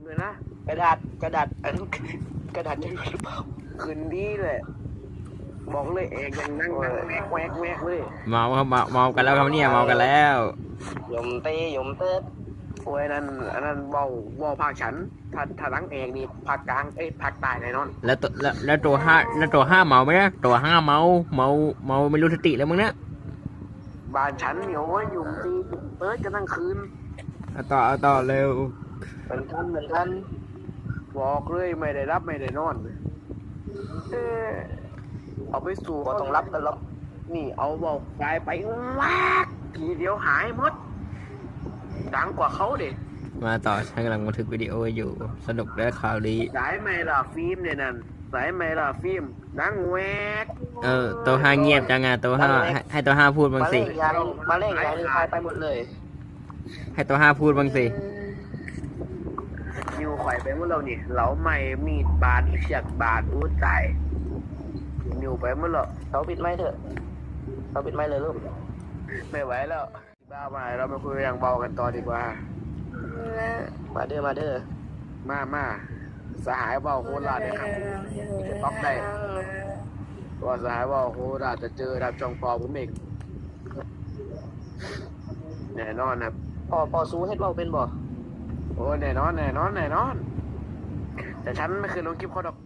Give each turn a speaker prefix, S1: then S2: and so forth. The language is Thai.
S1: เลยนะ
S2: กระดาษอันกระดาษจะหลุดหรือเปล่า
S1: คืนดีเลยบอกเลยเอกยังนั่งแวกเลย
S3: เมาครับเมากันแล้วครับเนี่ยเมากันแล้ว
S2: ยมเต้
S1: โอ้ยนั่นอันนั้นเบาภาคฉันถ้าทั้งเอกนี่ภาคกลางภาคใต้แน่นอน
S3: แล้วตัวห้าเมาไหมนะตัวห้าเมาไม่รู้สติแล้วมึงนะ
S1: บ้านฉันเนี่ยโอ้ยอยู่ตีกันทั้งคืน
S3: เอาต่อเร็ว
S2: เหมือนกัน
S1: บอกเลยไม่ได้รับไม่ได้นอนเอาไปสู่
S2: ก็ต้องรับกันรับ
S1: นี่เอาเบาไฟไปวากทีเดียวหายหมดดังกว่าเขาเด็
S3: มาต่อฉันกำลังบันทึกวิดีโออยู่สนุกและข่าวดี
S1: สายไมล่ะฟิล์มเนี่ยนั่นสายไมล่ะฟิล์มดังแวก
S3: ตัวห้าเงียบจังอ่ะตัวห้าให้ตัวห้าพูดบ้าง
S2: มา
S3: สิ
S2: เล่นยายนี่ทายไปหมดเลย
S3: ให้ตัวห้าพูดบ้างสิ
S1: นิวข่อยไปเมื่อเรานี่เราไม่มีดบาดเฉียดบาดอู้ตายนิวไปเมื่อเรา
S2: เขาปิดไม้เถอะเขาปิดไม้เลยลูก
S1: ไม่ไหวแล้วบ้าไปเราไปคุยอย่างเบากันต่อดีกว่า
S2: มาเด้อ
S1: มาสหายเบาโคราชเนี่ยครับจะต้องได้ว่าสหายเบาโคราชจะเจอรับจองปอผมเองแน่นอนครับ
S2: พอซูเฮ็ดเว้าเป็นบ่
S1: โอ้แน่นอน แต่ฉันไม่เคยลงคลิปเขาดอก